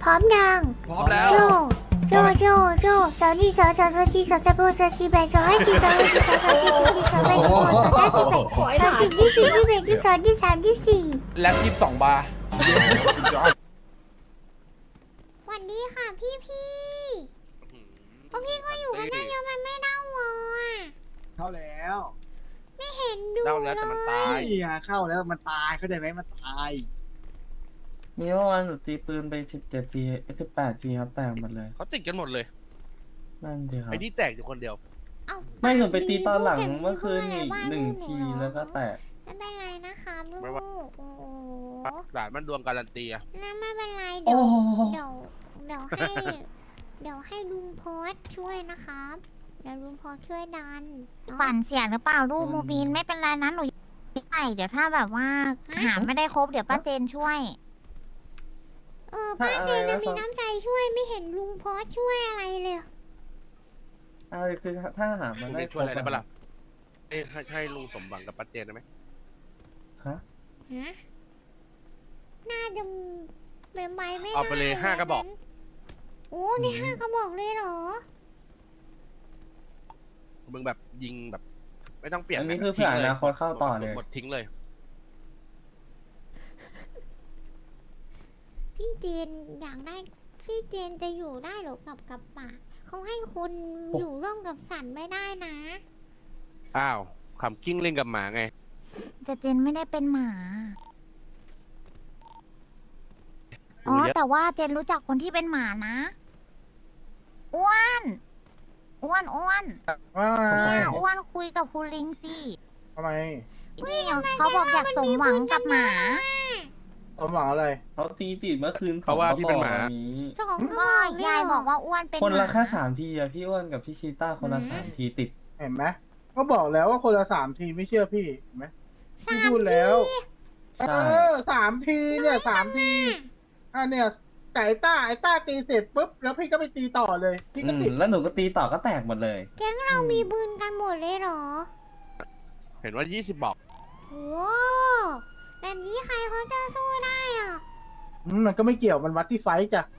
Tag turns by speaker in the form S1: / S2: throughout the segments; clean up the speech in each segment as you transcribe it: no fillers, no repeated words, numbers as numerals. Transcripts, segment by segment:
S1: ร้อมยัง
S2: พร้อมแล้ว
S1: โจโจสาวนี่สาวจีสาวตะโบสาวจีแบสาวให้จีสาวให้จีสาวจีสาวจีสาวแบสาวสาวจีแบสาวจีที่สี่ที่แบที่สองที่สามที่สี่
S2: แล็บ22 บาร์
S1: วันนี้ค่ะพี่พวกพี่ก็อยู่กันได้เยอะมันไม่เน่าวออ่ะ
S3: เข้าแล้ว
S1: ไม่เห็นดู
S2: เน่าแล้วแต่มันตาย
S3: นี่อะเข้าแล้วมันตายเข้าใจไหมมันตาย
S4: มีเมื่อวานหนูตีปืนไป17 ที18 ทีครับแตกหมดเลย
S2: เขาติดกันหมดเลย
S4: นั่นสิครับ
S2: ไอ้นี่แตกอยู่คนเดียว
S1: เอ้า
S4: ไม่หนูไปตีตอนหลังเมื่อคืน
S1: พูด
S4: อีก
S1: แบบ
S4: 1 ทีแล้วก็แตก
S1: ไม่เป็นไรนะครับลูก
S2: ไม่ว่า
S1: โอ้โห
S2: หลานมันดวงการันตีอะ
S1: นั่นไม่เป็นไร
S4: โอ้
S1: เดี๋ยวเดี๋ยวให้เดี๋ยวให้ลุงโพสช่วยนะครับเดี๋ยวลุงโพสช่วยดัน
S5: ปั่นเสียงหรือเปล่าลูกมูบินไม่เป็นไรนะหนูไปเดี๋ยวถ้าแบบว่าหาไม่ได้ครบเดี๋ยวป้าเจนช่วย
S1: ป้าเจน
S4: ถ้าอะไร
S1: จะ
S4: นะ
S1: มีน้ำใจช่วยไม่เห็นลุงโพสช่วยอะไรเลย
S4: คือถ้าหา
S2: ลุ
S4: มัน
S2: ง
S4: ได้
S2: นี่ช่วยอะไรได้ปะล่ะเอ้ยให้ลุงสมหวังกับปัจเจนได้ไหม
S4: ฮะ
S1: ฮะน่าจะเป็นใบไม่ได้
S2: เอาไปเลย5 กระบอก
S1: โอ้นี่5 กระบอกเลยเหรอ
S2: มึงแบบยิงแบบ ไม่ต้องเปลี่ยน
S4: อันนี้คือเผื่ออนาคตเข้าต่อเลย
S2: หมดทิ้งเลย
S1: พี่เจนอยากได้พี่เจนจะอยู่ได้หรอกับป่าเขาให้คนอยู่ร่วมกับสัตว์ไม่ได้นะ
S2: อ้าวขำกิ้งเล่นกับหมาไง
S5: แต่เจนไม่ได้เป็นหมา อ๋อ
S2: รู้เยอะ
S5: แต่ว่าเจนรู้จักคนที่เป็นหมานะ อ้วนอ้วน
S3: ว่า
S5: เนี่ยอ้วนคุยกับคุณลิงสิ
S3: ทำไม
S5: นี่เขาบอกอยากสมหวังกับหมา
S3: สมหวังอะไร
S4: เขาตีติดเมื่อคืน
S2: เพราะว่าพี่เป็นหมา
S4: ขบอกนี้
S1: 2 กระบ
S5: ก็
S1: อกเลย
S5: ยาย
S1: เหร
S5: บอกว่าอ้วนเป็น
S4: คน
S5: ห
S4: ละ
S5: มา
S4: แค่3 ทีอะพี่อ้วนกับพี่ชีต้าคนละ3 ทีติด
S3: เห็นไหมก็บอกแล้วว่าคนละ3 ทีไม่เชื่อพี่เห็นไหมพี่พูดแล้ว
S4: ใช่
S3: 3 ทีเนี่ย3 ทีเนี่ยแต่ไอ้ต้าตีเสร็จปุ๊บแล้วพี่ก็ไปตีต่อเลยพี่ก็ติด
S4: แล้วหนูก็ตีต่อก็แตกหมดเลย
S1: แก๊งเรามีปืนกันหมดเลยเหรอ
S2: เห็นว่า 20 บอก
S1: โอ้แบบนี้ใครเขาจะสู้ได้อ่ะ
S3: มันก็ไม่เกี่ยวมันวัดที่ไฟต์จ้ะ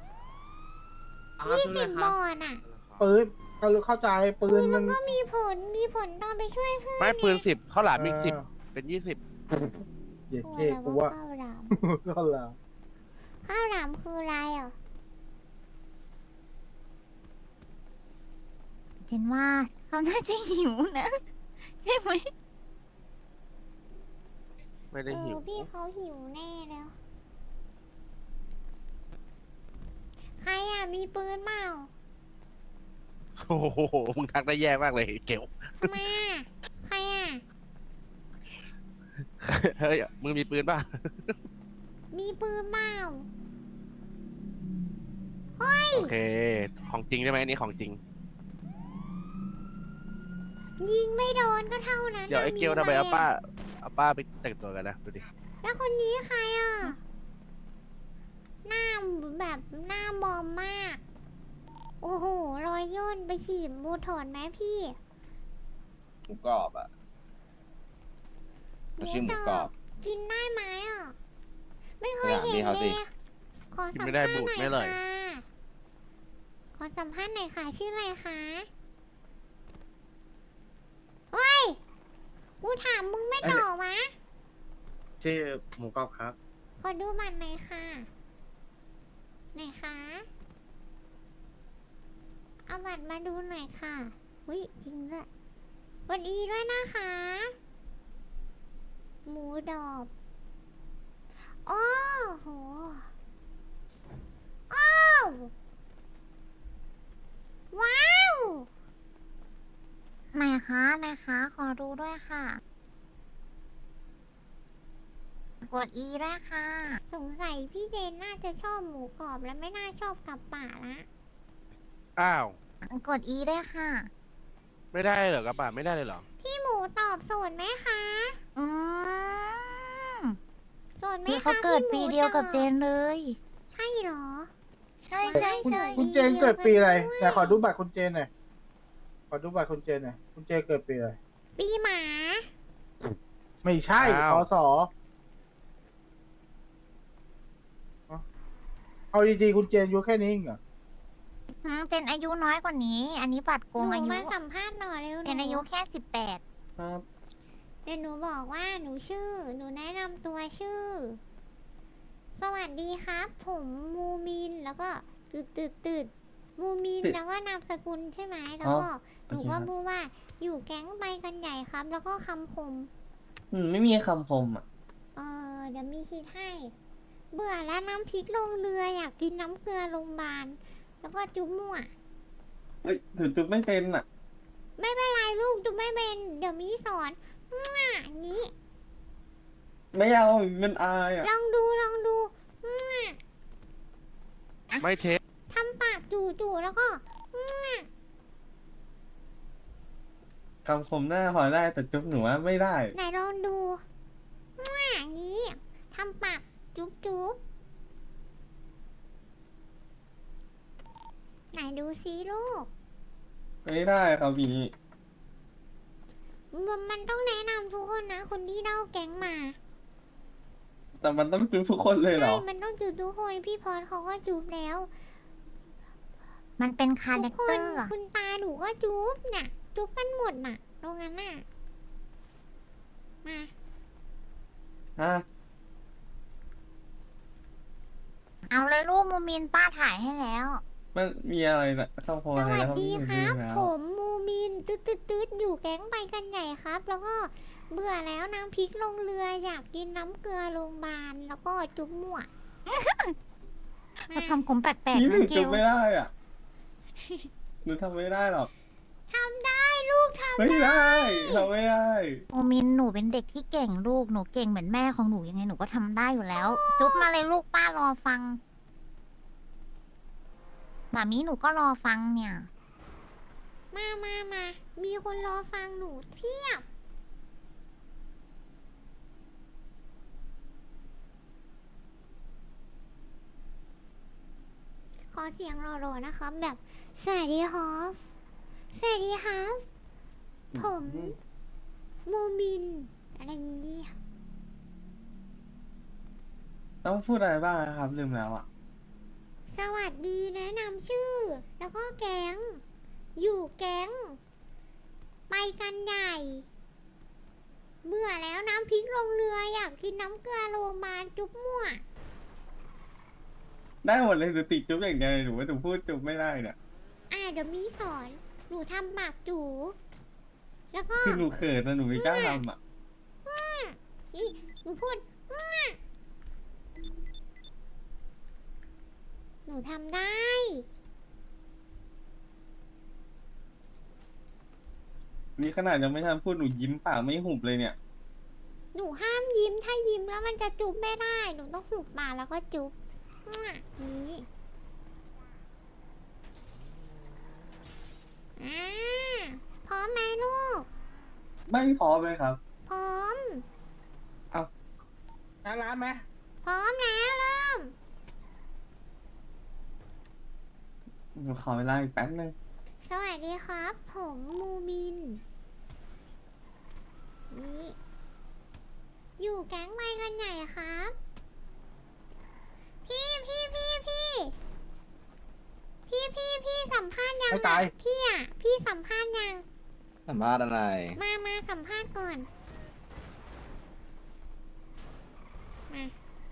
S1: 20 บอลน่ะ
S3: ปืนก็เข้าใจปืนมัน
S1: ก็มีผลตอนไปช่วยเพื่อน
S2: ไม่ปืน 10ข้าวหลามอีก
S3: เออ
S2: 10 เป็น 20
S3: เหยียด
S1: โอ้
S3: เท่
S1: แล้ว
S3: กู
S1: ว่า
S3: ว่า
S1: ข้าวหลาม
S3: ก็แล้ว
S1: ข้าวหลามคืออะไรอ่ะ
S5: เจนว่าเขาน่าจะหิวนะ ใช่ไหม
S2: ไม่ได้หิว
S1: พี่เขาหิวแน่แล้ว ใครอ่ะมีปืนเปล่า
S2: โอ้โหมึงทักได้แย่มากเลยเกล
S1: ทำไมอ่ะ ใครอ่ะ
S2: เฮ้ยมึงมีปืนป่ะ
S1: มีปืนเปล่า
S2: โอเค ของจริงใช่ไหมอันนี้ของจริง
S1: ยิงไม่โดนก็เท่านั้น
S2: เดี๋ยวไอ้
S1: น่ะ
S2: เกลทำไม
S1: อะ
S2: เอาป้าไปแต่งตัวกันนะดูดิ
S1: แล้วคนนี้ใครอ่ะ หน้าแบบหน้าบอมมาก โอ้โห รอยย่นไปฉีดบูถอนไหมพี่
S6: หมูกรอบอ่ะมันชื่อหมูกรอบ
S1: กินได้ไหมอ่ะ ไม่เคย
S6: ไป
S1: เห็น
S6: ถามพี่
S1: เล
S6: เขาสิ
S1: ยขอ
S2: กิน
S1: สัม
S2: ไม่
S1: ภา
S2: ได้
S1: ษณ์ห
S2: บูด
S1: น่อย
S2: ไม่เลย
S1: ค่ะ ขอสัมภาษณ์หน่อยค่ะ ชื่ออะไรคะเฮ้ย กูถามมึงไม่ตอบวะ
S6: ชื่อหมูกรอบครับ
S1: ขอดูบัตรหน่อยค่ะไหนคะ เอาบัตรมาดูหน่อยค่ะอุ้ยจริงด้วยสวัสดีด้วยนะคะ หมูดอบโอ้โหอ้าวว้าว
S5: ไหนคะไหนคะขอดูด้วยค่ะ กด E ด้วยค่ะ
S1: สงสัยพี่เจนน่าจะชอบหมูกรอบและไม่น่าชอบกับป่าละ
S2: อ้าว
S5: กด E ด้วยค่ะ
S2: ไม่ได้เหรอกระบะไม่ได้เลยเหรอ
S1: พี่หมูตอบโสดไหมคะ
S5: อืม
S1: โสดไหม
S5: พี่
S1: คะ
S5: เขาเกิด
S1: พี่หมู
S5: ปีเดียวกับเจนเลย
S1: ใช่เหรอ
S5: ใช่ใช่
S3: คุณ
S5: ใช่
S3: คุณเจนเกิดปีอะไรไหนขอดูบัตรคุณเจนหน่อยขอดูบัตรคุณเจนหน่อยคุณเจนเกิดปีอะไร
S1: ปีหมา
S3: ไม่ใช่
S2: อ้าว
S3: พศเอาดีๆคุณเจนอายุแค่นี้เองเหรอ
S5: เจนอายุน้อยกว่านี้ อันนี้บัตรโก
S1: ห
S5: ง
S1: นู
S5: อายุ
S1: มาสัมภาษณ์หน่อยเร็ว
S5: เจนอายุแค่18
S4: ครับ
S1: เดี๋ยวหนูบอกว่าหนูชื่อ หนูแนะนำตัวชื่อ สวัสดีครับ ผมมูมินแล้วก็ตืดมูมินแล้วก็นามสกุลใช่ไหมแล้วก็หนูก็พูดว่าอยู่แก๊งไปกันใหญ่ครับ แล้วก็คำคม
S4: ไม่มีคำคมอ่ะ
S1: เดี๋ยวมีคิดให้ เบื่อแล้วน้ำพริกลงเรืออยากกินน้ำเกลือโรงพยาบาลแล้วก็จุ๊บมั่ว
S4: เฮ้ยถือจุดไม่เป็นอ่ะ
S1: ไม่เป็นไรลูกจุ๊บไม่เป็น เดี๋ยวมีสอนอย่างนี้
S4: ไม่เอามันอายอ่ะ
S1: ลองดู
S2: ไม่เทส
S1: ทำปากจู่ๆแล้วก็
S4: คำคมหน้าพอได้แต่จุ๊บหนูว่าไม่ได้
S1: ไหนลองดูอย่างนี้ทำปากจุ๊บไหนดูซิลูก
S4: ไม่ได้ครับพี่
S1: มันต้องแนะนำทุกคนนะ คนที่เล่าแก๊งมา
S4: แต่มันต้องจุ๊บทุกคนเลยเหร
S1: ใช่
S4: อ
S1: มันต้องจุ๊บทุกคนพี่พอดเขาก็จุ๊บแล้ว
S5: มันเป็นคา
S1: ทุ
S5: แร
S1: ก
S5: ค
S1: ค
S5: เตอน ร์อะ
S1: คุณตาหนูก็จุ๊บน่ะ จุ๊บกันหมดน่ะตรงนั้นน่ะมา
S4: ฮะ
S5: เอาเลยรูปมูมินป้าถ่ายให้แล้ว
S4: มันมีอะไรนะคำคม
S1: ส
S4: อะไร
S1: วัส
S4: แล้ว
S1: ดี
S4: พี่
S1: ครับ
S4: แล้ว
S1: ผมมูมินตืดอยู่แก๊งไปกันใหญ่ครับ แล้วก็เบื่อแล้วน้ำพริกลงเรืออยากกินน้ำเกลือโรงพยาบาลแล้วก็จุ๊บมั่วมา
S5: คำคมแปลก
S4: พี่
S5: ๆ
S4: หนู
S5: นะเก
S4: จุ๊บ
S5: ล
S4: ไม่ได้อ่ะ หนูทำไม่ได้หรอก
S1: ทำได้ลูกทำ
S4: ไม่
S1: ได้
S4: ได้ทำไม่ได้
S5: มูมินหนูเป็นเด็กที่เก่งลูก หนูเก่งเหมือนแม่ของหนูยังไงหนูก็ทำได้อยู่แล้ว จุ๊บมาเลยลูกป้ารอฟังหมามีหนูก็รอฟังเนี่ย
S1: มามีคนรอฟังหนูเพียบ ขอเสียงรอๆนะครับ แบบสวัสดีครับสวัสดีครับ ผมมูมิน อะไรอย่างนี้
S4: ต้องพูดอะไรบ้างนะครับลืมแล้วอ่ะ
S1: สวัสดีแนะนำชื่อ แล้วก็แก๊ง อยู่แก๊ง ไปกันใหญ่ เบื่อแล้วน้ำพริกลงเรืออยากกินน้ำเกลือโรงพยาบาลจุ๊บมั่ว
S4: ได้หมดเลยหนูติดจุ๊บอย่างเดียวเลยหนูว่าหนูพูดจุ๊บไม่ได้เนี่ย
S1: เดี๋ยวมีสอน หนูทำปากจู แล้วก็
S4: คือหนูเขินนะหนูไม่กล้าทำอ่ะ
S1: นี่หนูพูด หนูทำได้
S4: นี่ขนาดยังไม่ทันพูดหนูยิ้มปากไม่หุบเลยเนี่ย
S1: หนูห้ามยิ้ม ถ้ายิ้มแล้วมันจะจุ๊บไม่ได้ หนูต้องหุบปากแล้วก็จุ๊บนี่พร้อมไหมลูก
S4: ไม่พอเลยครับ
S1: พร้อม
S3: ร้านไหม
S1: พร้อมแล้วเริ่ม
S4: หนูขอเวลาอีกแป๊บนึง
S1: สวัสดีครับ ผมมูมิน นี่ อยู่แก๊งไปกันใหญ่ครับ พี่สัมภาษณ์ยัง
S3: ไม่ตาย
S1: พี่สัมภาษณ์ยัง
S6: สัมภาษณ์อะไร
S1: มาสัมภาษณ์ก่อน มา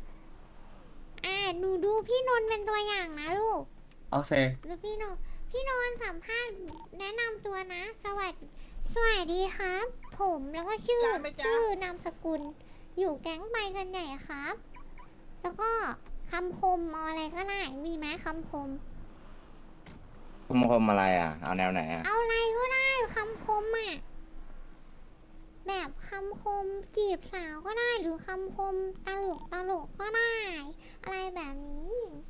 S1: หนูดูพี่นนท์เป็นตัวอย่างนะลูก
S4: เอาเซ
S1: หรือพี่นนท์สัมภาษณ์แนะนำตัวนะ สวัสดีครับ ผมแล้วก็ชื่อนามสกุล อยู่แก๊งไปกันใหญ่ครับ แล้วก็คำคมอะไรก็ได้ มีไหมคำคม
S6: คมอะไรอ่ะ เอาแนวไหนอ่ะ
S1: เอาอะไรก็ได้คำคมอ่ะ แบบคำคมจีบสาวก็ได้ หรือคำคมตลกก็ได้ อะไรแบบนี้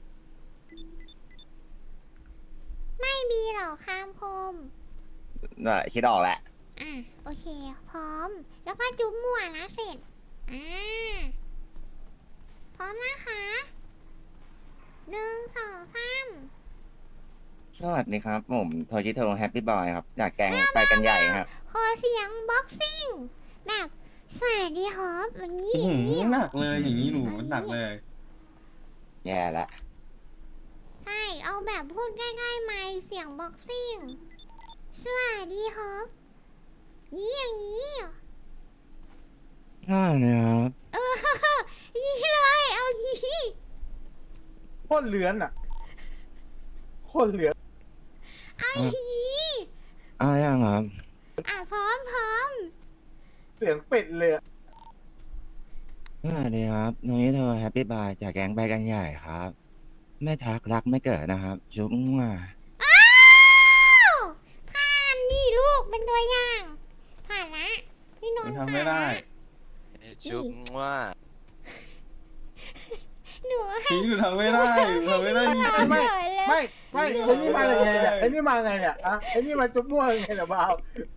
S1: ไม่มีหรอกคำคม
S6: คิดออกแหละ
S1: โอเค พร้อม แล้วก็จุ๊บมั่วนะเสร็จ พร้อมนะคะ1 2 3
S6: สวัสดีครับ ผมโทจิโทแฮปปี้บอยครับ อยากแกงไปกันใหญ่ครับ
S1: ขอเสียงบ็อกซิ่ง แบบสวัสดีครับอย่างนี้
S4: หนักเลยอย่างนี้หนูหนักเลย
S6: แย่ละ
S1: แบบพูดใกล้ๆไมค์เสียงบ็อกซิ่งสวัสดีครับนี่อย่างนี้เหรอ
S6: ได้นะครับ
S1: เออ นี่เลยเอางี้
S3: โคตรเลือนอ่ะโคตรเลือน
S1: เอาอย่างนี้
S6: ยังครับ
S1: พร้อม
S3: เสียงเป็ดเลยอะ
S6: สวัสดีครับตรงนี้เธอแฮปปี้บายจากแก๊งไปกันใหญ่ครับ ไม่ทักรักไม่เกิดนะครับ จุ๊บมั่ว
S1: อ้าวผ่านนี่ลูกเป็นตัวอย่าง ผ่านละพี่นนท์
S4: ทำไม่ได้
S2: จุ๊บว่า
S1: หนูให้
S4: พี่หนูทำไม่ได้หนูทำไม่ได้จริง
S3: ไม่
S1: เฉยเลย
S3: ไม่ไอ้นี่มายังไงเนี่ยไอ้นี่มาไงเนี่ยอะไอ้นี่มาจุ๊บมั่วยังไงเนี่ยบ้าว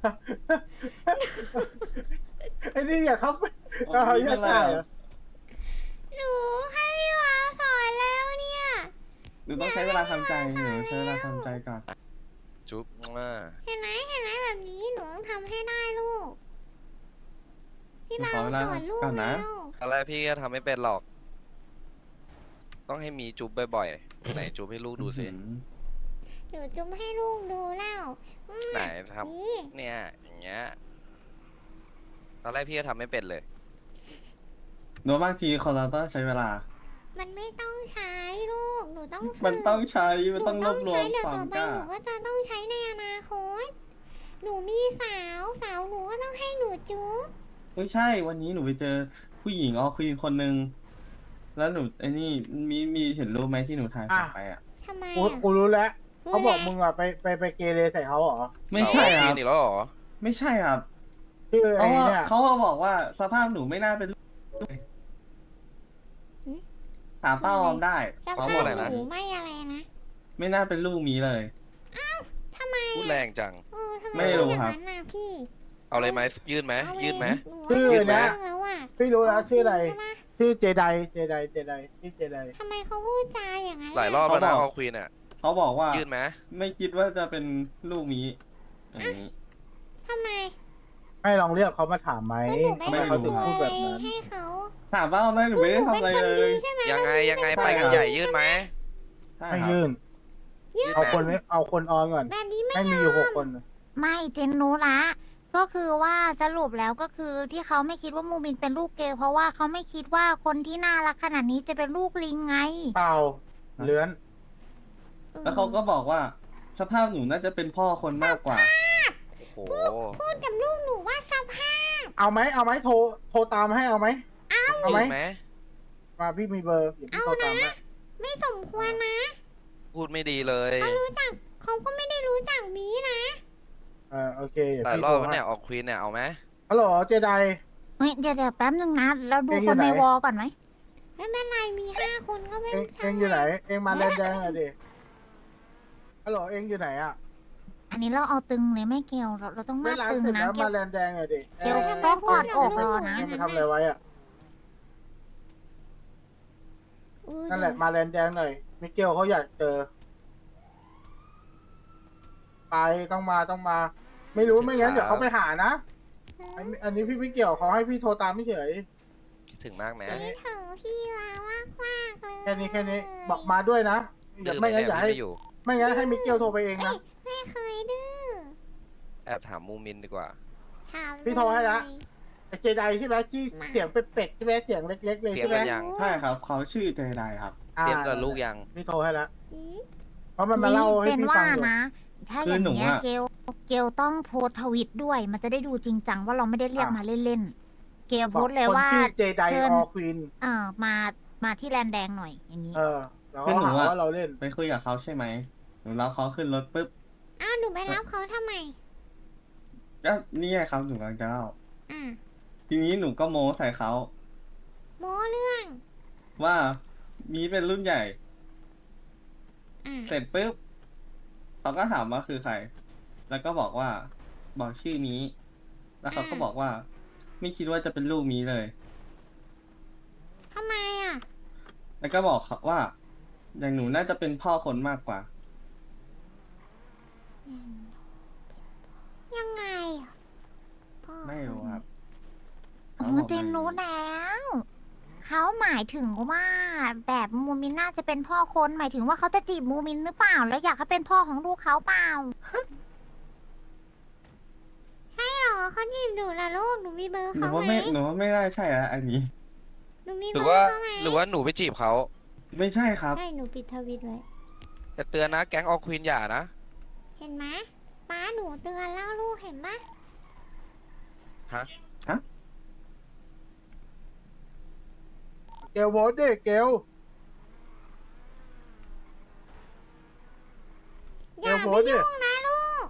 S3: ไอ้นี่อย่าเข้าไป
S4: ๆ
S3: เอาอย่าใส่เหรอ
S1: หนูให้พี่วาวสอนแล้วเนี่ย
S4: หนูต้องใช้เวลาทำใจหนูใช้เวลาทำใจก่อน
S2: จุ๊บว่า
S1: เห็นไหมแบบนี้หนูต้องทำให้ได้ลูก พี่
S4: หนู
S1: วา
S4: ขอ
S1: ว
S4: เวลา
S1: สอนลูก
S4: ก่อนนะ
S1: แล้ว
S2: ตอนแรกพี่ก็ทำไม่เป็นหรอก ต้องให้มีจุ๊บบ่อยๆไหนจุ๊บให้ลูกดูสิ
S1: หนูจุ๊บให้ลูกดูแล้วอืม
S2: ไหนท
S1: นี่
S2: ำเนี่ยอย่างเงี้ยตอนแรกพี่ก็ทำไม่เป็นเลย
S4: หนูบางทีคนเราต้องใช้เวลา
S1: มันไม่ต้องใช้ลูก หนูต้องฝึก
S4: มันต้องใช้
S1: ห
S4: มันต้องรวบรวม
S1: เดี๋ยว
S4: ควา
S1: ต่
S4: ม
S1: อไป
S4: กล้า
S1: หนูก็จะต้องใช้ในอนาคต หนูมีสาว หนูก็ต้องให้หนูจุ๊บ
S4: ไม่ใช่ วันนี้หนูไปเจอผู้หญิงคุยคนหนึ่งแล้วหนูไอ้นี่มีเห็นรูปไหมที่หนูถ่ายกลับไปอ่ะ
S1: ทำไม
S3: กู
S1: อ่ะ
S3: กูรู้แล้ว
S1: รู้
S3: เขาบอก
S1: แล้ว
S3: มึงอ่ะไปเกเรใส่เขาเหรอ
S4: ไม่ใช่ค
S2: สาว
S4: รับ
S2: กินอีกแล้วเหรอ
S4: ไม่ใช่ครับ
S3: ชื่อ
S4: เขา
S3: ไอ้
S4: ว่า
S3: เนี่ย
S4: เขาบอกว่าสภาพหนูไม่น่าเป็นลูกเลยถามป้าออมได้
S1: ส
S4: เขา
S1: ภา
S4: บอ
S1: พ
S4: กอะไรนะ
S1: หนูไม่อะไรนะ
S4: ไม่น่าเป็นลูกมีเลย
S1: ทำไม
S2: พูดแรงจัง
S1: ทำไม
S4: ไม่รู้
S1: พูดอย่าง
S4: ครับ
S1: นั้นน่ะพี่
S2: เอาเลยไหมยื่นไหม
S1: เอาเลย
S2: ยื่นไหม
S1: หนูว่า
S3: ชื่อ
S1: หนู
S3: นะ
S1: เรื่องแล้วอ่ะ
S3: พี่รู้แล้วชื่ออะไร
S1: ใช่ปะ
S3: ชื่อเจไดชื่อเจได
S1: ทำไมเขาพูดจาอย่างนั้น
S2: หลายรอบ
S4: เขา
S2: แล้วนะ
S4: บอก
S2: ออควีนอ่ะ
S4: เขาบอกว่า
S2: ยื่นไหม
S4: ไม่คิดว่าจะเป็นลูกมีอย่างนี้
S1: ทำไม
S3: ให้ลองเรียกเขามาถามไหม
S1: แล้วหนูไป
S3: ทำไมเขาถึง
S1: ทำ
S3: พูด
S1: ตัว
S3: แบ
S1: อะไร
S3: บนั้น
S1: ให้เขา
S4: ถามป้าออมได้หนูไม่ได้ทำอะไร
S1: หนู
S4: เล
S1: เป็นคน
S4: ย
S1: ดีใช่ไหม
S2: ยังไงไป
S4: ใช่
S2: กัน
S4: ครับ
S2: ใหญ่ยื่นไหม
S4: ใช่
S3: ให้
S4: ครับ
S3: ยื่น
S2: ยื่น
S3: เอา
S2: ไหม
S3: คนนี้เอาคนออนก่อน
S1: แบบนี้ไม่
S3: ให้มีอยู่6 คน
S5: ไม่เจนรู้ละ ก็คือว่าสรุปแล้วก็คือที่เขาไม่คิดว่ามูมินเป็นลูกเกย์เพราะว่าเขาไม่คิดว่าคนที่น่ารักขนาดนี้จะเป็นลูกลิงไง
S3: เปล่าเลื้อน
S4: แล้วเขาก็บอกว่าสภาพหนูน่าจะเป็นพ่อคนมากกว่า
S2: โอ้โห
S1: พูดกับลูกหนูว่าสภาพ
S3: เอาไหมโทรตามให้เอาไหม เอาไหม
S2: ยื่นไหม
S3: มาพี่มีเบอร์เดี๋ยวพี่โทรตามให้
S1: ไม่สมควรนะ
S2: พูดไม่ดีเลย
S1: เขาก็ไม่ได้รู้จักมีนะ
S3: โอเคเดี๋ยว
S2: หลาย
S3: พี่
S2: ร
S3: โท
S2: อบ
S3: ร
S2: แล้ว
S3: ให้
S2: เนี่ยออกควีนเนี่ยเอาไหม
S3: ฮัลโหลเจได
S5: เฮ้ยเดี๋ยวแป๊บนึงนะ เราดู
S3: เองอ
S5: ค
S3: ยู่
S5: น
S3: ไหน
S5: ในวอลก่อนไหม
S1: ไม่เป็นไรมี5 คนก็ไม่
S3: เอง
S1: ใช่
S3: เองอยู่ไหน เองมาแลนแดงหน่อยดิฮัลโหลเองอยู่ไหนอ่ะ
S5: อันนี้เราเอาตึงเลยไม่เกี่ยวเราต้อง
S3: ไม่
S5: มา
S3: ร้าน
S5: ตึง
S3: เสร็จ
S5: นะ
S3: แล้ว
S5: เกี่ย
S3: มาว แลนแดงหน่อยดิ
S5: เดี๋ยวต้องกอดอกรอนะ
S3: เองไปทำอะไรไว้อ่ะ
S1: อุ๊ย
S3: นั่นแหละมาแลนแดงหน่อยมิเกลเขาอยากเจอ ไปต้องมา ไม่รู้ไม่งั้นเดี๋ยวเขาไปหานะอันนี้พี่ไม่เกี่ยวเขาให้พี่โทรตามไม่เฉย
S2: คิดถึงมากไหม
S1: คิดถึงพี่วามากมากๆเลย
S3: แค่นี้บอกมาด้วยนะเดี๋ยวไม่งั้นอย่าให้
S2: ไม่อยู่
S3: ไม่งั้นให้มิเกลโทรไปเองนะ
S1: ไม่เคยดื้อ
S2: แอบถามมูมินดีกว่า
S1: ถาม
S3: พี่โทรให้ละ
S1: เย
S3: ไอ้เจไดใช่ไหมที่เสียงเป็ดๆใช่ไหมเสียงเล็กๆเลย
S2: เตรียม
S3: ใช่ไหม
S2: กันยัง
S4: ใช่ครับ เขาชื่อเจไดครับ
S2: เตรียมกับลูกยัง
S3: พี่โทรให้ละ
S1: อืม
S3: เพราะมันมาเล่าให้
S5: เจน
S3: พี่
S5: ว่า
S3: ฟังอยู่
S5: นะ ถ้า
S4: คือ
S5: อย่าง
S4: หนู
S5: เงี้ย
S4: อะ
S5: เกลต้องโพสต์ทวิตด้วย มันจะได้ดูจริงจังว่าเราไม่ได้เรียกมาเล่นๆ เกลโพสต์เลยว่า
S3: คนชื่อเจได
S5: เชิญ
S3: ออควีน
S5: มาที่แลนด์แดงหน่อยอย่างนี้
S3: แล้ว
S4: คือ
S3: ก็
S4: หนู
S3: หา
S4: อะ
S3: ว่าเราเล่น
S4: ไปคุยกับเขาใช่ไหมหนูรับเขาขึ้นรถปุ๊บ
S1: อ้าวหนูไปรับเขาทำไม
S4: ก็นี่ไงครับหนูกำลังจะเล่า
S1: อ่ะ
S4: ทีนี้หนูก็โม้ใส่เขา
S1: โม้เรื่อง
S4: ว่ามีเป็นรุ่นใหญ่
S1: อ่ะ
S4: เสร็จปุ๊บเขาก็ถามว่าคือใคร แล้วก็บอกว่าบอกชื่อนี้ แล้วเขาก็บอกว่า ไม่คิดว่าจะเป็นลูกนี้เลย
S1: ทำไมอ่ะ
S4: แล้วก็บอกเขาว่า อย่างหนูน่าจะเป็นพ่อคนมากกว่า
S1: ยังไงอ่ะพ่อ
S4: ไม่รู้ครับ
S5: โอ้เจนรู้แล้ว ใคเขาหมายถึงว่าแบบมูมินน่าจะเป็นพ่อคนหมายถึงว่าเขาจะจีบมูมินหรือเปล่า แล้วอยากให้เป็นพ่อของลูกเขาเปล่า
S1: ใช่เหรอเขาจีบหนูละลูกหนูมีเบอร์
S4: หนู
S1: เขา
S4: ว่า
S1: ไหม
S4: ไม่หนูว่าไม่ได้ใช่อะอันนี้
S1: หนูมี
S2: ห
S1: เบ
S2: รือ
S1: อ
S2: ว่า
S1: ร์เขาไหม
S2: หรือว่าหนูไปจีบเขา
S4: ไม่ใช่ครับ
S1: ใช่หนูปิดทวิตไว้
S2: แต่เตือนนะแก๊งออควีนอย่านะ
S1: เห็นไหมป้าหนูเตือนแล้วลูกเห็นปะ
S2: ฮะ
S3: เกลโพสต์ดิเกล
S1: อย่า
S3: โพ
S1: ไป
S3: สต์ดิ
S1: ยุ่งนะลูก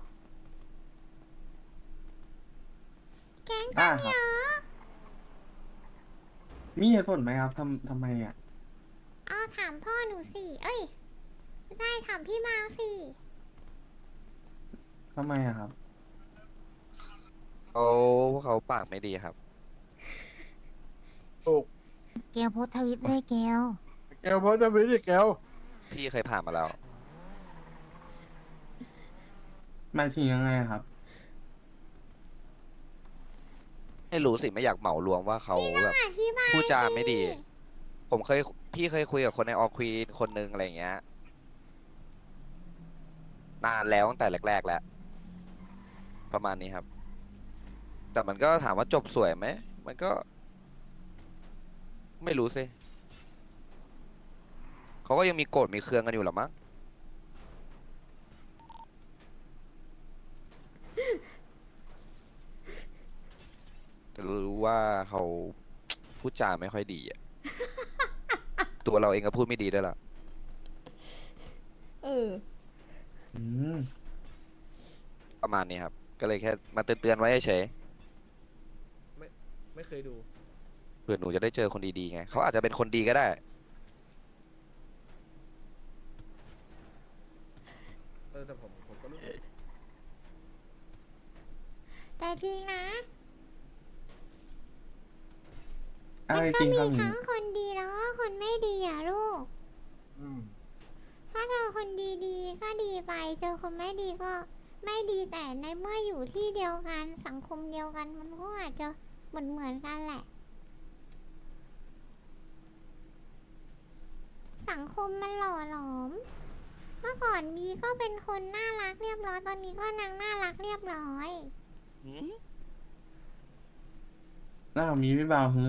S1: แก๊ง
S4: ได้
S1: ตั้ง
S4: ครั
S1: เย
S4: บ
S1: อะ
S4: มีเหตุผลไหมครับทำไมอ่ะ
S1: เอาถามพ่อหนูสิ เอ้ยไม่ได้ถามพี่มาสิ
S4: ทำไมอะครับ
S2: พวกเขาปากไม่ดีครับ
S3: ถูก
S5: เกลโพสต์ทวิตเลยเกล
S3: เกลโพสต์ทวิตดิเกล
S2: พี่เคยผ่านมาแล้ว
S4: หมายถึงยังไงอะครับ
S2: ไม่รู้สิไม่อยากเหมารวมว่าเขาแบบ
S1: อธิบาย
S2: พูดจาไม่ดี
S1: สิ
S2: พี่เคยคุยกับคนในออควีนคนนึงอะไรอย่างเงี้ย นานแล้วตั้งแต่แรกๆแล้ว ประมาณนี้ครับ แต่มันก็ถามว่าจบสวยไหม มันก็ ไม่รู้สิเขาก็ยังมีโกรธมีเคืองกันอยู่หรอมั้ง แต่รู้ว่าเขาพูดจาไม่ค่อยดีอะ ตัวเราเองก็พูดไม่ดีด้วยล่ะ
S1: เออ
S4: อืม
S2: ประมาณนี้ครับ ก็เลยแค่มาเตือนๆไว้เฉย
S7: ไม่เคยดู
S2: ๆเผื่อหนูจะได้เจอคนดีๆไง เขาอาจจะเป็นคนดีก็ได้
S7: แต่ผมก็รู้สึก
S1: แต่จริงนะ
S4: อะไร
S1: ก็
S4: จริง
S1: มี
S4: ครับหนู
S1: ทั้งคนดีแล้วก็คนไม่ดีอ่ะลูก
S3: อืม
S1: ถ้าเจอคนดีๆก็ดีไป เจอคนไม่ดีก็ไม่ดีแต่ในเมื่ออยู่ที่เดียวกันสังคมเดียวกันมันก็อาจจะเหมือนกันแหละ สังคมมันหล่อหลอม เมื่อก่อนมีก็เป็นคนน่ารักเรียบร้อยตอนนี้ก็นางน่ารักเรียบร้อย
S4: น่ามีพี่บ่าวฮึ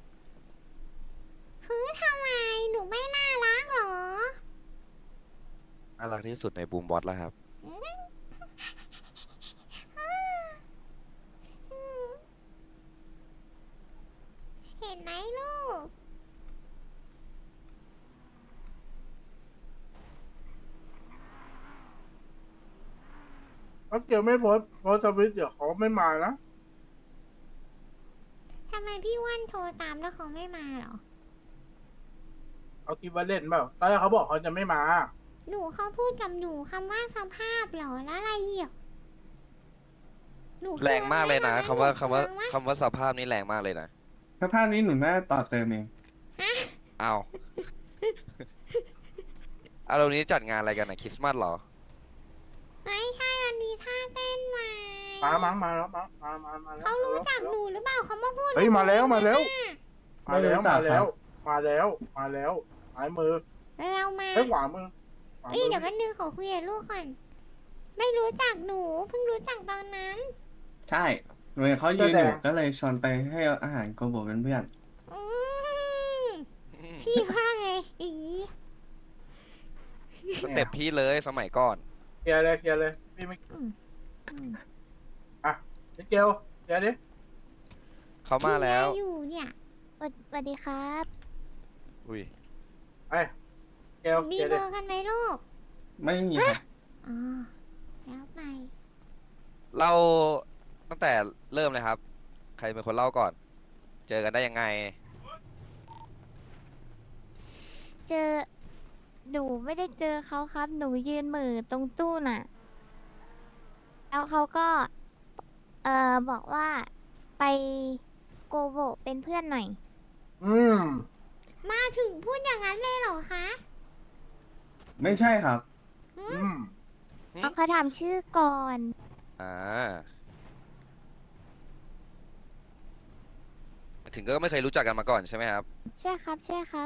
S1: ทำไมหนูไม่น่ารักหรอ
S2: น่ารักที่สุดในบูมบอสแล้วครับ
S1: เห็นไหมลูก
S3: ถ้าเกลไม่โพสต์ทวิตเดี๋ยวเขาไม่มานะ
S1: ทำไมพี่อ้วันโทรตามแล้วเขาไม่มาหรอ
S3: เขาคิดว่าเล่นเปล่าตอนแรกเขาบอกเขาจะไม่มา
S1: หนูเขาพูดกับหนูคำว่าสภาพเหรอแล้วอะไรอีกหนู
S2: แรงมากเลยนะ
S1: เคือง
S2: คำว่า
S1: ไหม
S2: คำว่า
S1: หนูเคืองไหม
S2: คำว่าสภาพนี้แรงมากเลยนะ
S4: สภาพนี้หนูน่าต่อเติมเอง
S2: เอา อารมณ์นี้จัดงานอะไรกันนะคริสต์มาสเหรอ
S1: ไม่ใช่มันมีท่าเต้นมา
S3: มาแล้วมาแล้ว
S1: เขารู้จักหนูหรือเปล่าเขามาพูด
S3: เฮ้ย
S1: กับหนู
S3: มาแล้ว
S1: นะ
S3: มาแล้วมาแล้ว
S4: ไม่รู้จั
S3: มาก
S4: ครับ
S3: แล้วมาแล้วซ้ายมือ
S1: เรามา
S3: เฮ้ยขวามือขวา
S1: เอ้ย
S3: มือ
S1: เดี๋ยววันนึงขอคุยกับลูกก่อน ไม่รู้จักหนูเพิ่งรู้จักตอนนั้น
S4: ใช่หนูเห็นเขายืนอยู่ก็เลยชวนไปให้อาหารโกโบเป็นเพื่อน
S1: อืมพี่ว่าไงอย่างนี้
S2: สเต็ปพี่เลยสมัยก่อน
S3: เคลียร์เลยพี่ไม่
S1: อืมอืม
S3: เกลเคลียร์ดิ
S2: เขามาแล้ว
S1: พี่อยู่เนี่ย
S5: สวัสดีครับ
S2: อุ้ย
S3: ไปเกล
S1: มี
S3: เคลียร์
S1: เบ
S3: ดิ
S1: อร์กันไหมลูก
S4: ไม่มีครับ
S1: อ๋อ แล้วไป
S2: เราตั้งแต่เริ่มเลยครับ ใครเป็นคนเล่าก่อน เจอกันได้ยังไง
S8: เจอหนูไม่ได้เจอเขาครับ หนูยืนเหม่อตรงตู้น่ะ แล้วเขาก็ บอกว่าไปโกโบเป็นเพื่อนหน่อย
S3: อืม
S1: มาถึงพูดอย่างนั้นเลยเหรอคะ
S4: ไม่ใช่ครับ
S3: อืม
S8: เอาเขาถามชื่อก่อน
S2: อ่า ถึงก็ไม่เคยรู้จักกันมาก่อนใช่ไหมครับ
S8: ใช่ครับใช่ครับ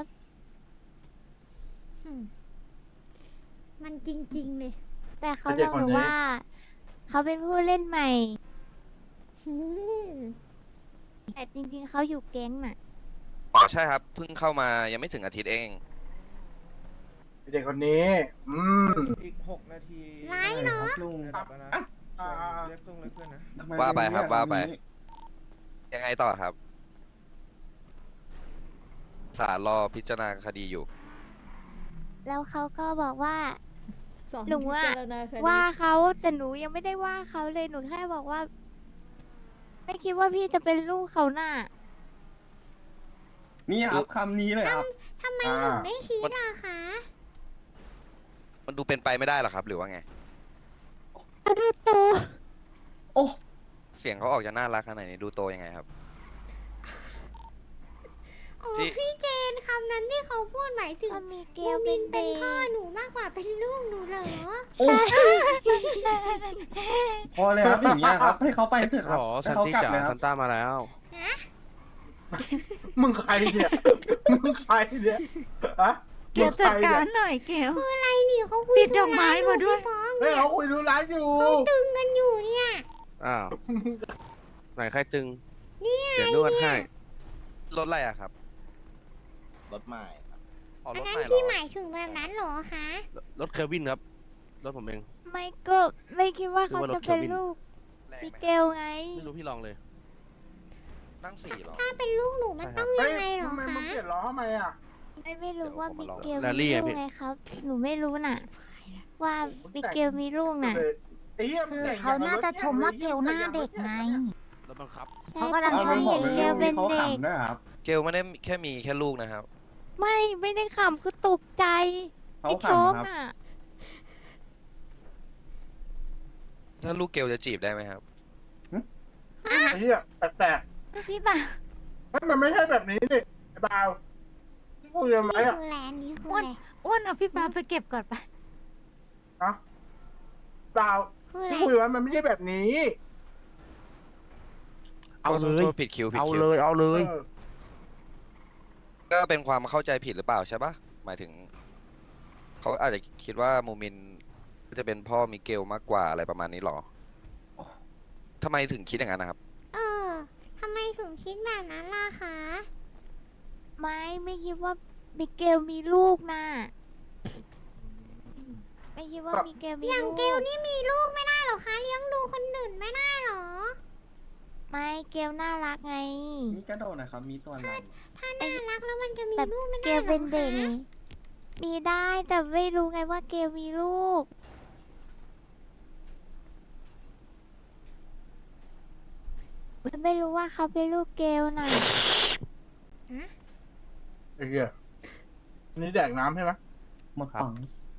S1: อืมมันจริง ๆ เลย
S8: แต่เขาบอกหนูว่า เขาเป็นผู้เล่นใหม่
S1: อืม
S8: แต่จริงๆเขาอยู่แก๊งน่ะ
S2: อ๋อใช่ครับเพิ่งเข้ามายังไม่ถึงอาทิตย์เอง
S3: เด็กคนนี้
S7: อีก6 นาที
S1: ไลฟ์เนาะ
S4: ครับลุง
S7: ระดับแล้วนะ
S3: อ่า
S7: เรียกเพื่อนนะ
S4: ทำม
S2: ว่าไปครับ
S4: เยก
S2: ว่าไป
S4: นี้
S2: ยังไงต่อครับศาลรอพิจารณาคดีอยู่
S8: แล้วเขาก็บอกว่า
S1: สอน
S8: หนูอะ
S1: พิจารณคดี
S8: ว่าเขาแต่หนูยังไม่ได้ว่าเขาเลยหนูแค่บอกว่า ไม่คิดว่าพี่จะเป็นลูกเขาน่ะ
S4: นี่ครับคำนี้เลยครับ
S1: ทำไมหนูไม่คิดล่ะคะ
S2: มันดูเป็นไปไม่ได้หรอครับ หรือว่าไง
S8: เขาดูโต
S4: โอ้
S2: เสียงเขาออกจะน่ารักขนาดนี้ดูโตยังไงครับ
S1: โอ้
S2: ที่
S1: พี่เจนคำนั้นที่เขาพูดหมายถึง
S8: ก็มีเก
S1: มู
S8: ล
S1: มิ
S8: เป็น
S1: น
S8: เบ
S1: เป็น
S8: ย์
S1: พ่อหนูมากกว่าเป็นลูกหนูเหรอ
S4: โอ้พอเลยครับอย่างเงี้ยครับ ให้เขาไปเถอะครับ
S9: อ๋อ
S4: ให้
S9: ซัน
S4: เขา
S9: ตี้
S4: กลับ
S9: จ๋า
S4: เลยครั
S9: ซั
S4: บ
S9: นต้ามาแล้ว
S3: มึงใครเนี่ย มึงใครเนี่ยฮะ
S5: เกลจัดการหน่อยเกล
S1: ไอ้นี่เขาคุย
S5: ติดดอกไม้มาด้วย
S1: พี่ป้อง
S3: เฮ้ยเขาคุยดูร้านอยู่
S1: ตึงกันอยู่เนี่ย
S9: อ้าว ไหนใครตึง
S1: เนี่ย
S9: เดี๋ยวนวดให้
S2: รถอะไรอะครับ
S6: รถใหม่
S2: อ๋อ
S1: อั
S2: ร
S1: น
S2: ถ
S1: นั้
S2: ให
S1: น
S2: ม่เหร
S1: พี่
S2: อ
S1: หมายถึงแบบนั้นเหรอคะ
S9: รถเคลวินครับ รถผมเอง
S8: ไม่ก็ไม่คิดว่าเขา
S9: คือว่าร
S8: จะ
S9: ถ
S8: เป็น
S9: เควิน
S8: ลูก
S2: แรง
S8: มิ
S2: ไหม
S8: เกลไง
S9: ไม่รู้พี่ลองเลย
S2: นั่งสี่เหรอ
S1: ถ้าเป็นลูกหนูมัน
S9: ใช่ครั
S1: ต้
S9: บ
S1: อง
S3: เฮ้
S1: ยั
S3: ย
S1: งไงเหรอ
S3: ทำไมมึง
S1: คะ
S3: เปลี่ยนล้อทำไมอ่ะ
S8: ไม่รู้ว่า
S2: เดี๋
S8: มิ
S2: ยวผมมาลอง
S8: เกล
S9: แรล
S8: มี
S9: ลี่
S8: ลู
S9: อะ
S8: ก
S9: พี่
S8: ไงครับ หนูไม่รู้น่ะ ว่ามิเกลมีลูกน่ะ
S3: ไอ้เหี้ยมึ
S5: คื
S3: ง
S5: อ
S3: แต่ง
S5: เขาน่าจะชมว่าเกลหน้าเด็กไง
S9: รถบังคับ
S5: เขากำลัง
S4: เอา
S5: ช
S4: ลุ
S5: ม
S4: งบอกเลย
S8: เกลเป็น
S4: เขา
S8: เด็ก
S4: ขำด้วยครับ
S2: เกลไม่ได้แค่มีแค่ลูกนะครับ
S8: ไม่ได้ขำคือตกใจ
S4: เขา
S8: ไอ้โชค
S4: ขำครับ
S8: น่ะ
S2: ถ้าลูกเกลจะจีบได้ไหมครับ
S3: ไอ้เหี้ยแปลก
S8: พี่บ่า
S3: ๆมันไม่ใช่แบบนี้ดิไอ้บ่าวที่คุยกันไหม
S1: นี่
S3: อ่ะ
S1: คือแลนด์นี้คือ
S5: อ้ว
S1: อะ
S5: น
S1: ไร
S5: อ้วนเอาพี่ปาไปเก็บก่อนไป
S3: ฮะบ่าว
S1: คืออะไร
S3: ที่คุยกันมันไม่ใช่แบบนี้
S9: เอาเล
S2: โท
S9: ย
S2: ษผิดคิวผิด
S9: เอา
S2: คิว
S9: เลย เอาเลย
S3: เออ
S2: ก็เป็นความเข้าใจผิดหรือเปล่าใช่ปะหมายถึง เขาอาจจะคิดว่ามูมินจะเป็นพ่อมิเกลมากกว่าอะไรประมาณนี้หรอทำไมถึงคิดอย่างนั้นนะครับ
S1: เออทำไมถึงคิดแบบนั้นล่ะคะ
S8: ไม่คิดว่ามิเกลมีลูกน่ะไม่คิดว่ามิเกลมี
S1: อย่าง
S8: ลูก
S1: เกลนี่มีลูกไม่ได้เหรอคะ เลี้ยงดูคนอื่นไม่ได้เหรอ
S8: ไม่เกลน่ารักไง
S4: มีกระโดดนะครับ มีตัวล
S1: ถ้าน่ารักแล้วมันจะมี
S8: แต่
S1: ลูกไม่
S8: เก
S1: ได้
S8: ล
S1: เหร
S8: เป็
S1: อน
S8: เด็ก
S1: คะ
S8: ไงมีได้แต่ไม่รู้ไงว่าเกลมีลูก ไม่รู้ว่าเขาเป็นลูกเกลน่ะ
S3: ไอ้เหี้ยอันนี้แดกน้ำใช่ไหม
S4: ำหมดปัง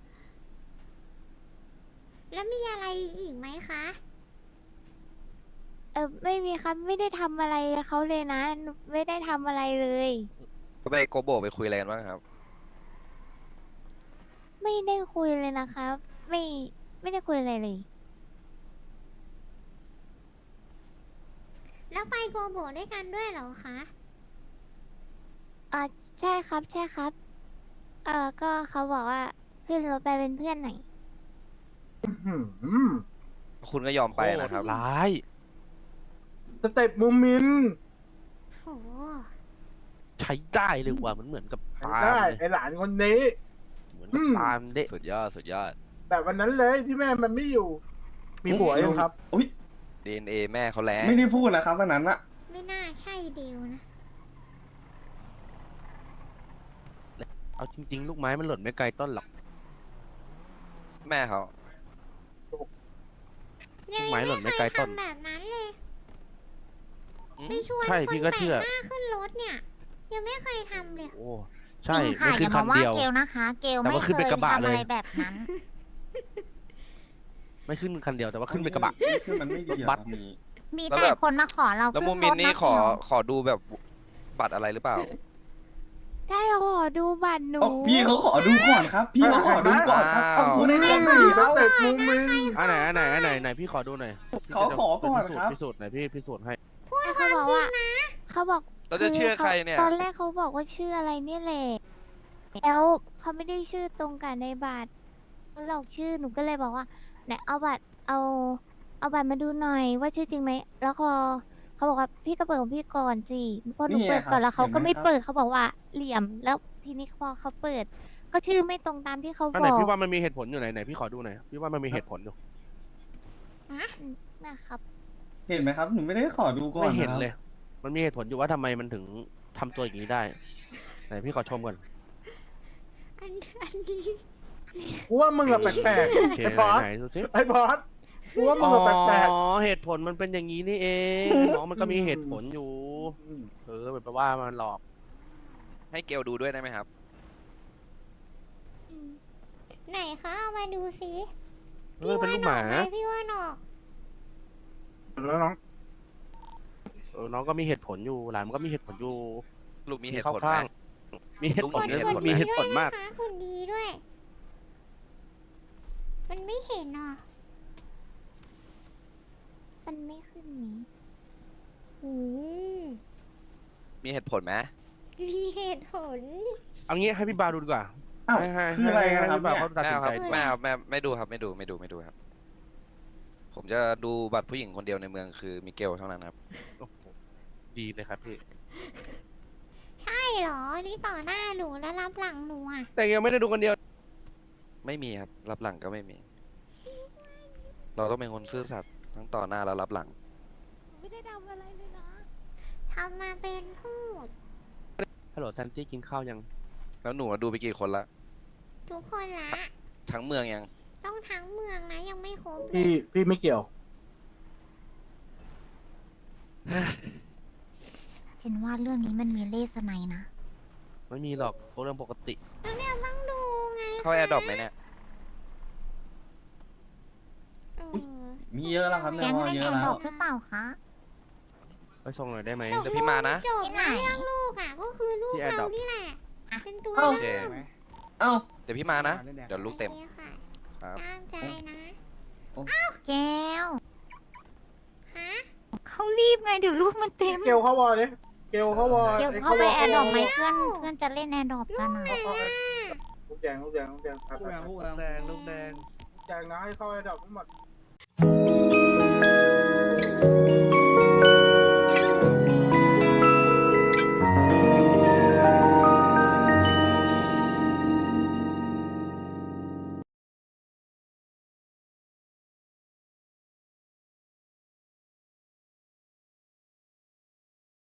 S1: แล้วมีอะไรอีกไหมคะ
S8: ไม่มีครับไม่ได้ทำอะไรเขาเลยนะหนูไม่ได้ทำอะไรเลย
S2: ก็ไปโกโบไปคุยอะไรกันบ้างครับ
S8: ไม่ได้คุยเลยนะครับ ไม่ได้คุยอะไรเลย
S1: แล้วไปโกโบด้วยกันด้วยเหรอคะ
S8: ใช่ครับใช่ครับ ก็เขาบอกว่าขึ้นรถไปเป็นเพื่อนหน่อย
S3: อืม
S2: คุณก็ยอมไปนะครับ
S9: ร้าย
S3: สเต็ปมูมิน
S1: โห
S9: ใช้ได้เลยว่ะมันเหมือนกับตาม
S3: ได้
S9: เลย
S3: ไอหลานคนนี้
S9: เหมือนกับตามเด็
S2: สุดยอดสุดยอด
S3: แบบวันนั้นเลยที่แม่มันไม่อยู่ มีผัวยังครับ
S4: อุ้ย
S2: DNA แม่เขาแรง
S4: ไม่ได้พูดนะครับวันนั้นอะ
S1: ไม่น่าใช่เดียวนะ
S9: เอาจริง ๆ ลูกไม้มันหล่นไม่ไกลต้นหรอก
S2: แม่เขา
S1: ยัง
S9: ไม้หล่นไม่
S1: ไม่
S9: ไก
S1: เค
S9: ล
S1: ย
S9: ต้น
S1: ทำแบบนั้นเลย
S2: อืม
S1: ไม่ชวน
S9: ใช่
S1: คน
S9: พี่
S1: แป
S9: ก็
S1: ลก
S9: เชื่อ
S1: หน้าขึ้นรถเนี่ย ยังไม่เคยทำเลย
S9: โอ้
S5: จ
S9: ใช่
S5: ริงค่ะ
S9: ไม่
S5: อ
S9: ขึ้น
S5: ย่า
S9: คั
S5: มาน ว่า
S9: เดียว
S5: เกลนะคะ เกล
S9: แต่
S5: ไม่
S9: ว่า
S5: เค
S9: ขึ้นเป็น
S5: ย
S9: กระบะ
S5: ทำอะไร
S9: เลย
S5: แบบนั้น
S9: ไม่ขึ้นคันเดียวแต่ว่าขึ้นเป็นกระบะ
S4: คือมันไม่ดี
S9: รถ
S4: อะ
S9: บั
S4: ค
S9: ส
S4: รับนี้
S5: มี
S2: แล้ว
S5: แต่
S2: แบบ
S5: คนมาขอเรา
S2: แล้ว
S5: ขึ้
S2: มู
S5: น
S2: มิ
S5: ร
S2: น
S5: ถ
S2: นี่
S5: นะ
S2: ขอ
S5: เกล
S2: ขอดูแบบบัตรอะไรหรือเปล่า
S8: ได้ขอดูบัตรหนู
S4: โอ้พี่เขาขอดูก่อนครับ พี่เขาขอดูก่อนครับ
S2: อ้าว
S4: เอาพูดให้ฟังหน่อย
S3: ส
S4: เอา
S3: เต็ปมูมิน
S9: ไหนพี่ขอดูหน่อย
S4: เขาขอก่อนครับ
S9: พิสูจน์หน่อยพี่พิสูจน์ให้
S8: เขาบอกว่าเขาบอก
S2: เราจะเชื่อใครเนี่ย
S8: ตอนแรกเขาบอกว่าชื่ออะไรเนี่ยแหละแล้วเขาไม่ได้ชื่อตรงกับในบัตรเขาหลอกชื่อหนูก็เลยบอกว่าไหนเอาบัตรเอาบัตรมาดูหน่อยว่าชื่อจริงไหมแล้วพอเขาบอกว่าพี่ก็เปิดของพี่ก่อนสิพอหนู
S4: นี่ไง
S8: เปิดก่อน
S4: ครับ
S8: แล้วเขาก็
S4: เห็นไหม
S8: ไม่
S4: ครับ
S8: เปิดเขาบอกว่าเหลี่ยมแล้วทีนี้พอเขาเปิด ก็ชื่อไม่ตรงตามที่เขา
S9: อัน
S8: บ
S9: ไหน
S8: อก
S9: พี่ว่ามันมีเหตุผลอยู่ไหนพี่ขอดูหน่อยพี่ว่ามันมีเหตุผลอยู่
S8: นะครับ
S4: เห็นไหมครับ หนูไม่ได้ขอดูก่อน
S9: ไม่เห็น
S4: นะครับ
S9: เลย มันมีเหตุผลอยู่ว่าทำไมมันถึงทำตัวอย่างนี้ได้ไหนพี่ขอชมก่อน
S1: อันนี้
S3: กูว่ามึงอะแปลก
S9: โอ
S3: ๆ
S9: เค
S3: ไอ้บอส
S9: ไหนดูสิ
S3: ไอ้บอสกูว่ามึ
S9: อ๋
S3: ง
S9: อ
S3: อะแปลก
S9: เหตุผลมันเป็นอย่างนี้นี่เองน้องมันก็มีเหตุผลอยู่ แปลว่ามันหลอก
S2: ให้เกลดูด้วยได้ไหมครับ
S1: ไหนคะเอามาดูสิ
S9: เออเป็นลูกหมา
S1: พี่ว่าหนอก
S3: ๆแล้วน้อง
S9: น้องก็มีเหตุผลอยู่หลานมันก็มีเหตุผลอยู่
S2: ลูกมีเหตุ
S9: เข้า
S2: ผลไหม
S9: ข้างมีเหตุผล
S2: ลูก
S1: คน
S2: มี
S1: ดี
S2: เห
S9: มี
S2: ตุผล
S9: เหตุผล
S1: ด้วย
S9: มาก
S1: นะคะคนดีด้วย มันไม่เห็นหรอ
S8: มันไม่ขึ้นนี้
S1: อืม
S2: มีเหตุผลไหม
S1: มีเหตุผล
S9: เอางี้ให้พี่บาดูดีกว่า
S4: อ้าว
S9: ให้
S4: คืออะไรกัน
S9: ให้
S4: ครับ
S9: พี่บา
S4: เนี่ย
S9: เขาตัด
S2: ไม่
S9: สิน
S2: เอาค
S9: ใจ
S2: รับ
S9: ดีก
S2: ไม่
S9: ว่า
S2: เอาไม่ดูครับไม่ดูครับ ผมจะดูบัตรผู้หญิงคนเดียวในเมืองคือมิเกลเท่านั้นครับ
S9: โอ้โหดีเลยครับพี่
S1: ใช่เหรอ นี่ต่อหน้าหนูแล้วรับหลังหนูอ่ะ
S9: แต่ยังไม่ได้ดูคนเดียว
S2: ไม่มีครับ รับหลังก็ไม่มี เราต้องเป็นคนซื่อสัตย์ทั้งต่อหน้าและรับหลัง
S8: ไม่ได้ทำอะไรเลยนะ
S1: ทำมาเป็นพูด
S9: ฮัลโหลซันตี้กินข้าวยัง
S2: แล้วหนูดูไปกี่คนละ
S1: ทุกคนละ
S2: ทั้งเมืองยัง
S1: ต้องทั้งเมืองนะ ยังไม่ครบเลย
S3: พี่ไม่เกี่ยว
S5: ฉันว่าเรื่องนี้มันมีเลสไนยนะ
S9: ไม่มีหรอกเรื่องปกติ
S1: แล้วเนี่ยต้องดูไง
S2: เข้าแอร์ดรอปไหมเนี่ย
S1: เออ
S4: มีเยอะแล้วครับใน
S5: แก๊ง
S4: วอ
S5: เล่น
S4: เย
S5: แอ
S4: อะ
S5: ร์
S4: แล้
S5: ดร
S4: ว
S5: อปหรือเปล่าคะ
S9: ไปส่งหน่อยได้ไหม
S2: เดี๋ยวพี่มานะ
S1: จบนะเรื่องลูกอ่ะ ก็คือลูก
S9: ที่
S1: เรา
S9: Adopt
S1: นี่แหละ เป็นตัว
S4: เอ้า
S1: เริ่ม
S4: เอ้า
S2: เดี๋ยวพี่มานะ เดี๋ยวลูกเต็ม
S1: โอคค่ะ
S2: ครับ
S1: ตั้งใจนะ
S5: แก้ว
S1: ฮะ
S5: เขารีบไงเดี๋ยวลูกมันเต็ม
S3: เกลเข้าวอลดิเกลเข้าวอล
S5: เดี๋ยวเข้าไปแอร์ดรอปไหมเพื่อนจะเล่นแอร์ดรอปกันอ่ะ
S3: ลูกแดงลูกแดงนะให้เข้าแอร์ดรอปทั้งหมด